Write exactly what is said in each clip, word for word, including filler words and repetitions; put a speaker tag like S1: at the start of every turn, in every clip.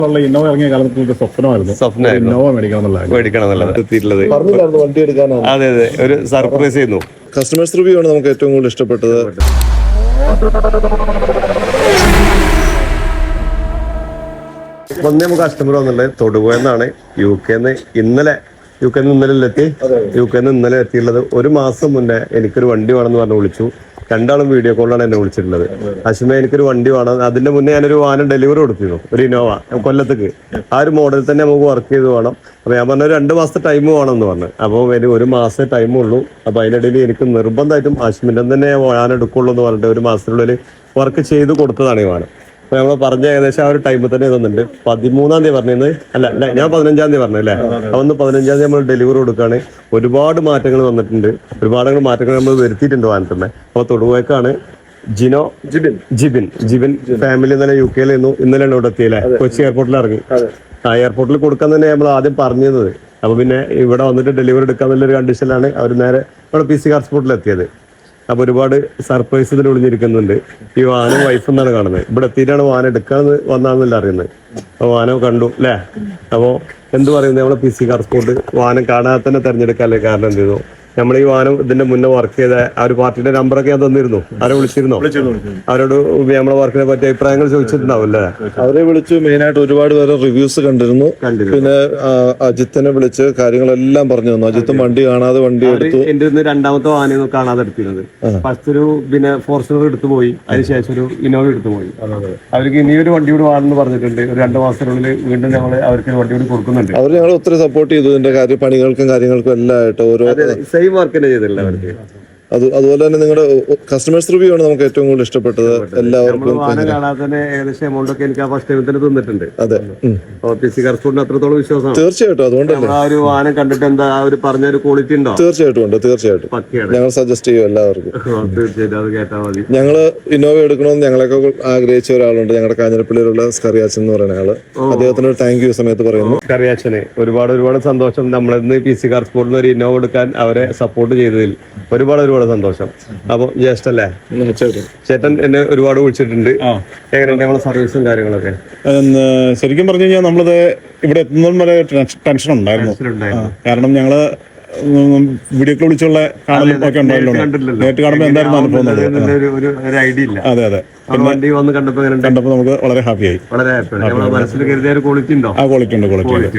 S1: Innova ഇറങ്ങിയ കാലത്ത് സ്വപ്നമായിരുന്നു
S2: സ്വപ്നമായിരുന്നു
S1: ഇന്നോവ മേടിക്കണം
S2: മേടിക്കണം എന്നുള്ളത് എത്തിയിട്ടുള്ളത്.
S3: വണ്ടി എടുക്കാനാണ്.
S2: അതെ അതെ ഒരു സർപ്രൈസ് ചെയ്യുന്നു.
S3: കസ്റ്റമേഴ്സ് റിവ്യൂ ആണ് നമുക്ക് ഏറ്റവും കൂടുതൽ ഇഷ്ടപ്പെട്ടത്.
S2: വന്നേ നമുക്ക് കസ്റ്റമർ വന്നുള്ളത് തൊടുപുഴന്നാണ്. യു കെന്ന് ഇന്നലെ യു കെന്ന് ഇന്നലെ എത്തി യു കെന്ന് ഇന്നലെ എത്തിയുള്ളത്. ഒരു മാസം മുന്നേ എനിക്കൊരു വണ്ടി വേണമെന്ന് പറഞ്ഞ് വിളിച്ചു. രണ്ടാളും വീഡിയോ കോളിലാണ് എന്നെ വിളിച്ചിട്ടുള്ളത്. അശ്മ എനിക്കൊരു വണ്ടി വേണം. അതിന്റെ മുന്നേ ഞാനൊരു വാഹനം ഡെലിവറി കൊടുത്തിരുന്നു, ഒരു ഇന്നോവ കൊല്ലത്തേക്ക്. ആ ഒരു മോഡൽ തന്നെ നമുക്ക് വർക്ക് ചെയ്ത് വേണം. അപ്പൊ ഞാൻ പറഞ്ഞ രണ്ട് മാസത്തെ ടൈം വേണം എന്ന് പറഞ്ഞു. അപ്പോൾ എനിക്ക് ഒരു മാസത്തെ ടൈമേ ഉള്ളൂ. അപ്പൊ അതിനിടയിൽ എനിക്ക് നിർബന്ധമായിട്ടും അശ്മിന്റെ തന്നെ വാഹനം എടുക്കുള്ളൂ എന്ന് പറഞ്ഞിട്ട് ഒരു മാസത്തിനുള്ളിൽ വർക്ക് ചെയ്ത് കൊടുത്തതാണ് ഈ വാഹനം. അപ്പൊ നമ്മൾ പറഞ്ഞ ഏകദേശം ആ ഒരു ടൈമിൽ തന്നെ തന്നിട്ടുണ്ട്. പതിമൂന്നാം തീയതി പറഞ്ഞത് അല്ല അല്ല ഞാൻ പതിനഞ്ചാം തീയതി പറഞ്ഞല്ലേ. അതൊന്ന് പതിനഞ്ചാം തീയതി നമ്മൾ ഡെലിവറി കൊടുക്കുകയാണ്. ഒരുപാട് മാറ്റങ്ങൾ വന്നിട്ടുണ്ട്, ഒരുപാട് മാറ്റങ്ങൾ നമ്മൾ വരുത്തിയിട്ടുണ്ട് വാഹനത്തിന്മേ. അപ്പൊ തൊടുപുഴക്കാണ് ജിനോ ജിബിൻ ജിബിൻ ജിബിൻ ഫാമിലി ഇന്നലെ യു കെയിലായിരുന്നു. ഇന്നലെയാണ് ഇവിടെ എത്തിയില്ലേ, കൊച്ചി എയർപോർട്ടിൽ ഇറങ്ങി. ആ എയർപോർട്ടിൽ കൊടുക്കാൻ തന്നെ നമ്മൾ ആദ്യം പറഞ്ഞത്. അപ്പൊ പിന്നെ ഇവിടെ വന്നിട്ട് ഡെലിവറി എടുക്കാന്നുള്ളൊരു കണ്ടീഷനിലാണ് അവർ നേരെ ഇവിടെ പി സി കാർ സ്പോട്ടിൽ എത്തിയത്. അപ്പൊ ഒരുപാട് സർപ്രൈസ് ഇതിൽ ഒളിഞ്ഞിരിക്കുന്നുണ്ട്. ഈ വാഹനം വൈഫ് എന്നാണ് കാണുന്നത്. ഇവിടെ എത്തിയിട്ടാണ് വാഹനം എടുക്കാന്ന് വന്നാന്നല്ല അറിയുന്നത്. അപ്പൊ വാഹനം കണ്ടു അല്ലേ. അപ്പോ എന്ത് പറയുന്നത്, നമ്മളെ പി സി കാർ സ്പോട്ട് വാഹനം കാണാതെ തന്നെ തെരഞ്ഞെടുക്കാല്ലേ. കാരണം എന്ത് ചെയ്തു, നമ്മൾ ഈ വാഹനം ഇതിന്റെ മുന്നേ വർക്ക് ചെയ്ത ആ ഒരു പാർട്ടിയുടെ നമ്പറൊക്കെ ഞാൻ തന്നിരുന്നു. ആരെ വിളിച്ചിരുന്നോ? അവരോട് നമ്മളെ വർക്കിനെ പറ്റി അഭിപ്രായങ്ങൾ ചോദിച്ചിട്ടുണ്ടാവും അല്ലേ.
S3: അവരെ വിളിച്ചു. മെയിൻ ആയിട്ട് ഒരുപാട് പേരെ റിവ്യൂസ് കണ്ടിരുന്നു. പിന്നെ അജിത്തിനെ വിളിച്ച് കാര്യങ്ങളെല്ലാം പറഞ്ഞു തന്നു. അജിത്തും വണ്ടി കാണാതെ വണ്ടി എടുത്തു.
S2: എന്റെ ഇന്ന് രണ്ടാമത്തെ വാഹനം കാണാതെ എടുത്തിരുന്നത്. ഫസ്റ്റ് ഒരു പിന്നെ ഫോർച്യൂണർ എടുത്തു പോയി, അതിനുശേഷം ഒരു ഇന്നോവ എടുത്തു പോയി. അവർക്ക് ഇനിയൊരു വണ്ടി കൂടി വാങ്ങുന്നു പറഞ്ഞിട്ടുണ്ട്. ഒരു രണ്ട് മാസത്തിനുള്ളിൽ വീണ്ടും ഞങ്ങൾ അവർക്ക് വണ്ടി കൂടി കൊടുക്കുന്നുണ്ട്.
S3: അവർ ഞങ്ങൾ ഒത്തിരി സപ്പോർട്ട് ചെയ്തു ഇതിന്റെ കാര്യം, പണികൾക്കും കാര്യങ്ങൾക്കും എല്ലാം ആയിട്ട്. ഓരോ
S2: സെയിം വർക്ക് തന്നെ ചെയ്തിട്ടില്ല അവർക്ക്.
S3: അത് അതുപോലെ തന്നെ നിങ്ങളുടെ കസ്റ്റമേഴ്സ് റിവ്യൂ ആണ് നമുക്ക് ഏറ്റവും കൂടുതൽ ഇഷ്ടപ്പെട്ടത്. എല്ലാവർക്കും
S2: വാഹനം കാണാതെ തന്നെ ഏകദേശം എമൗണ്ട് ഒക്കെ എനിക്ക് ആ ഫസ്റ്റ് ടൈമിൽ തന്നെ തന്നിട്ടുണ്ട്.
S3: അതെ,
S2: പി സി കാർ സ്പോട്ടിന് അത്രത്തോളം വിശ്വാസമാണ്.
S3: തീർച്ചയായിട്ടും. അതുകൊണ്ടല്ലേ
S2: ആ ഒരു വാഹനം കണ്ടിട്ട് എന്താ ഒരു പറഞ്ഞ ഒരു ക്വാളിറ്റി ഉണ്ടോ?
S3: തീർച്ചയായിട്ടും ഉണ്ട്, തീർച്ചയായിട്ടും ഞങ്ങൾ സജസ്റ്റ് ചെയ്യും എല്ലാവർക്കും.
S2: തീർച്ചയായിട്ടും അത് കേട്ടാൽ മതി.
S3: ഞങ്ങള് ഇന്നോവ എടുക്കണമെന്ന് ഞങ്ങളൊക്കെ ആഗ്രഹിച്ച ഒരാളുണ്ട്, ഞങ്ങളുടെ കാഞ്ഞിരപ്പള്ളിയിലുള്ള സ്കറിയാച്ചൻ എന്ന് പറയുന്ന ആള്. അദ്ദേഹത്തിന് താങ്ക് യു സമയത്ത് പറയുന്നു.
S2: സ്കറിയാച്ചന് ഒരുപാട് ഒരുപാട് സന്തോഷം. നമ്മളിന്ന് പി സി കാർ സ്പോട്ടിൽ ഒരു ഇന്നോവ എടുക്കാൻ അവരെ സപ്പോർട്ട് ചെയ്തതിൽ ഒരുപാട് ഒരുപാട് സന്തോഷം. അപ്പൊ ജ്യേഷ്ഠല്ലേ ചേട്ടൻ എന്നെ ഒരുപാട് വിളിച്ചിട്ടുണ്ട്. എങ്ങനെയുണ്ട് നമ്മളെ സർവീസും കാര്യങ്ങളൊക്കെ?
S1: ശരിക്കും പറഞ്ഞു കഴിഞ്ഞാൽ നമ്മളിത് ഇവിടെ എത്തുന്നതും വരെ ടെൻഷൻ ഉണ്ടായിരുന്നു. കാരണം ഞങ്ങള് വീഡിയോ കോൾ വിളിച്ചുള്ള കാണലും ഒക്കെ ഉണ്ടായല്ലോ. നേരിട്ട് കാണുമ്പോൾ എന്തായിരുന്നു അനുഭവം? അതെ അതെ.
S2: വണ്ടി വന്ന് കണ്ടപ്പോ
S1: കണ്ടപ്പോ നമുക്ക് വളരെ ഹാപ്പിയായി.
S2: വളരെ മനസ്സിൽ കരുതിയ ഒരു ക്വാളിറ്റി ഉണ്ടോ?
S1: ആ ക്വാളിറ്റി ഉണ്ട്, ക്വാളിറ്റി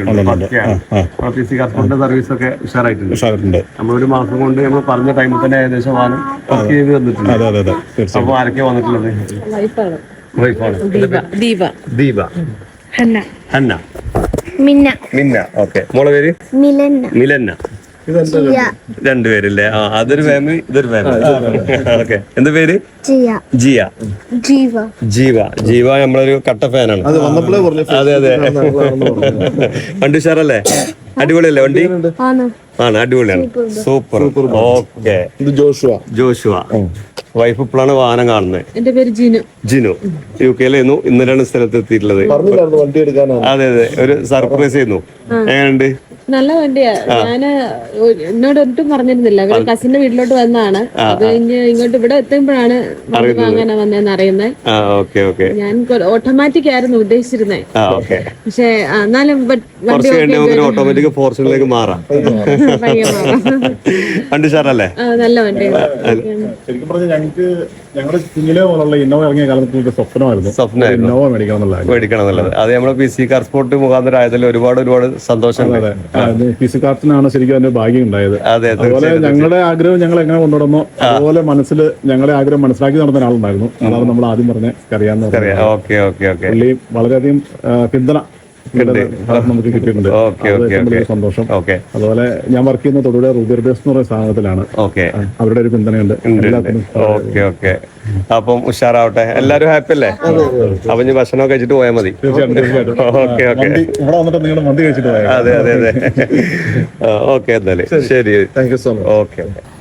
S2: സർവീസ് ഒക്കെ ഉഷാറായിട്ടുണ്ട്.
S1: ഉഷാറായിട്ടുണ്ട്.
S2: നമ്മളൊരു മാസം കൊണ്ട് നമ്മൾ പറഞ്ഞ ടൈമിൽ തന്നെ ഏകദേശം വാഹനം വർക്ക് ചെയ്ത് തന്നിട്ടുണ്ട്.
S1: അതെ അതെ അതെ.
S2: അപ്പൊ ആരൊക്കെ വന്നിട്ടുള്ളത്? വൈഫാണ്
S4: ദീപ,
S2: ദീപ,
S4: ഹന്ന,
S2: ഹന്ന,
S4: മിന്ന,
S2: മിന്ന. ഓക്കെ. മോളെ പേര്
S4: മിലന്ന,
S2: മിലന്ന. രണ്ടുപേരില്ലേ? ആ, അതൊരു ഫാമിലി, ഇതൊരു ഫാമിലി. ഓക്കെ. എന്ത് പേര്? ജിയ. ജീവ. ജീവ ജീവ നമ്മളൊരു കട്ട ഫാനാണ്. അതെ അതെ. വണ്ടി ഉഷാറല്ലേ? അടിപൊളിയല്ലേ വണ്ടി? ആണ്, അടിപൊളിയാണ്. Super. Okay.
S3: Joshua.
S2: Joshua. Wife ഇപ്പോഴാണ് വാഹനം കാണുന്നത്.
S4: എന്റെ പേര് ജിനു.
S2: ജിനു യു കെയിലായിരുന്നു. ഇന്നലെയാണ് സ്ഥലത്ത് എത്തിയിട്ടുള്ളത്.
S3: വണ്ടി എടുക്കാനാണ്.
S2: അതെ അതെ ഒരു സർപ്രൈസ് ചെയ്യുന്നു. എങ്ങനെയുണ്ട്?
S4: നല്ല വണ്ടിയാ. ഞാന് എന്നോട് ഒട്ടും പറഞ്ഞിരുന്നില്ല. അവര് കസിന്റെ വീട്ടിലോട്ട് വന്നതാണ്. അത് കഴിഞ്ഞ് ഇങ്ങോട്ട് ഇവിടെ എത്തുമ്പോഴാണ് വണ്ടി വാങ്ങാനാ വന്നതെന്ന് അറിയുന്നത്. ഞാൻ ഓട്ടോമാറ്റിക് ആയിരുന്നു ഉദ്ദേശിച്ചിരുന്നത്. പക്ഷെ എന്നാലും
S2: ഓട്ടോമാറ്റിക് ഫോർച്യൂണറിലേക്ക് മാറാം. വണ്ടി ഷാറല്ലേ?
S4: നല്ല വണ്ടിയാണ്.
S1: ശരിക്കും പറഞ്ഞാൽ ഞങ്ങൾക്ക് ഞങ്ങളുടെ കുഞ്ഞിലെ പോലുള്ള ഇന്നോവ ഇറങ്ങിയ കാലത്ത് സ്വപ്നമായിരുന്നു
S2: സ്വപ്നമായിരുന്നു
S1: ഇന്നോവ മേടിക്കണം എന്നുള്ളത്
S2: മേടിക്കണം എന്നുള്ളത്. അത് നമ്മളെ പി സി കാർ സ്പോട്ട് മുഖാന്തരം ആയതിൽ ഒരുപാട് ഒരുപാട് സന്തോഷം.
S1: പി സി കാർട്ടിനാണ് ശരിക്കും അതിന്റെ ഭാഗ്യം ഉണ്ടായത്. അതുപോലെ ഞങ്ങളുടെ ആഗ്രഹം ഞങ്ങൾ എങ്ങനെ കൊണ്ടുവന്നോ അതുപോലെ മനസ്സിൽ ഞങ്ങളുടെ ആഗ്രഹം മനസ്സിലാക്കി നടന്ന ആളുണ്ടായിരുന്നു. അതാണ് നമ്മൾ ആദ്യം പറഞ്ഞ കറിയാന്ന് പറഞ്ഞത്. പുള്ളി വളരെയധികം പിന്തുണ നമുക്ക് കിട്ടിയിട്ടുണ്ട്. സന്തോഷം. അതുപോലെ ഞാൻ വർക്ക് ചെയ്യുന്ന തൊടുപുഴ റൂബി ബേസ് എന്ന് പറയുന്ന സ്ഥാപനത്തിലാണ്. അവരുടെ ഒരു പിന്തുണയുണ്ട്.
S2: അപ്പം ഉഷാറാവട്ടെ. എല്ലാരും ഹാപ്പി അല്ലേ? അപ്പൊ ഇനി ഭക്ഷണം കഴിച്ചിട്ട് പോയാൽ മതി. Okay okay.
S1: മന്തി കഴിച്ചിട്ട് പോയാൽ.
S2: അതെ അതെ അതെ. ഓക്കെ. എന്നാല് ശരി.
S3: Thank you so much.
S2: Okay.